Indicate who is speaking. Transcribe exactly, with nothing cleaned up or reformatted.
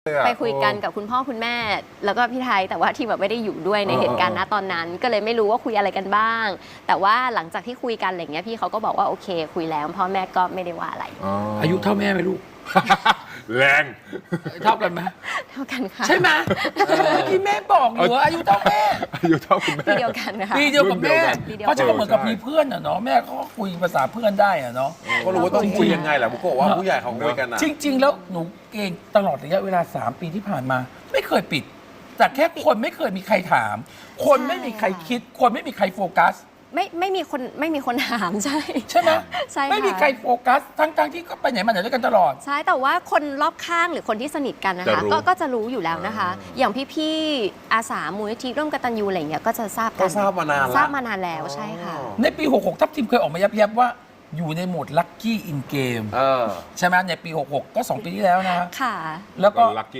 Speaker 1: ไปคุยกันกับคุณพ่อคุณแม่แล้วก็พี่ไทยแต่ว่าที่แบบไม่ได้อยู่ด้วยในเหตุการณ์ณตอนนั้นก็เลยไม่รู้ว่าคุยอะไรกันบ้าง แต่ว่าหลังจากที่คุยกันอะไรเงี้ยพี่เขาก็บอกว่าโอเคคุยแล้วพ่อแม่ก็ไม่ได้ว่าอะไร
Speaker 2: อายุเท่าแม่ไหมลูก
Speaker 3: แรง
Speaker 2: เท่ากันไหม
Speaker 1: เท่ากันค่ะ
Speaker 2: ใช่ไหมเมื่อกี้แม่บอกอยู่ว่าอายุเท่าแม่
Speaker 3: อายุเท่าคุณแม่
Speaker 1: ปีเดียวกันนะคะ
Speaker 2: ปีเดียวกับแม่
Speaker 1: ปีเดียวกัน
Speaker 2: เพราะฉะนั้นก็เหมือนกับมีเพื่อนอะเนาะแม่เขาก็คุยภาษาเพื่อนได้อะเนาะ
Speaker 4: ก็รู้ว่าต้องคุยยังไงแหละบุโกะว่าผู้ใหญ่เขาคุยกันนะ
Speaker 2: จริง ๆ แล้วหนูเก่งตลอดระยะเวลาสามปีที่ผ่านมา ไม่เคยปิด แต่แค่คนไม่เคยมีใครถาม คนไม่มีใครคิด คนไม่มีใครโฟกัส
Speaker 1: ไม่ไม่มีคนไม่มีคนถามใช่
Speaker 2: ใช่ไหม
Speaker 1: ใช่ค่ะ
Speaker 2: ไม่มีใครโฟกัส ทั้งๆที่ก็ไปไหนมาไหนด้วยกันตลอด
Speaker 1: ใช่แต่ว่าคนรอบข้างหรือคนที่สนิทกันนะคะก็ก็จะรู้อยู่แล้วนะคะ อย่างพี่ๆอาสามูลนิธิร่วมกตัญญูอะไรเงี้ยก็จะทราบกั
Speaker 4: ก็
Speaker 1: น
Speaker 4: ทราบมานานแล้ว
Speaker 1: ทราบมานานแล้วใช่ค่ะ
Speaker 2: ในปี หกหก ทัพทีมเคยออกมายับๆว่าอยู่ในโหมดลัคกี้อินเกม
Speaker 4: เออ
Speaker 2: ใช่ไหมในปี หกหก ก็สองปีที่แล้วนะ
Speaker 1: ค่ะ
Speaker 2: แล้วก็
Speaker 3: ลัคกี้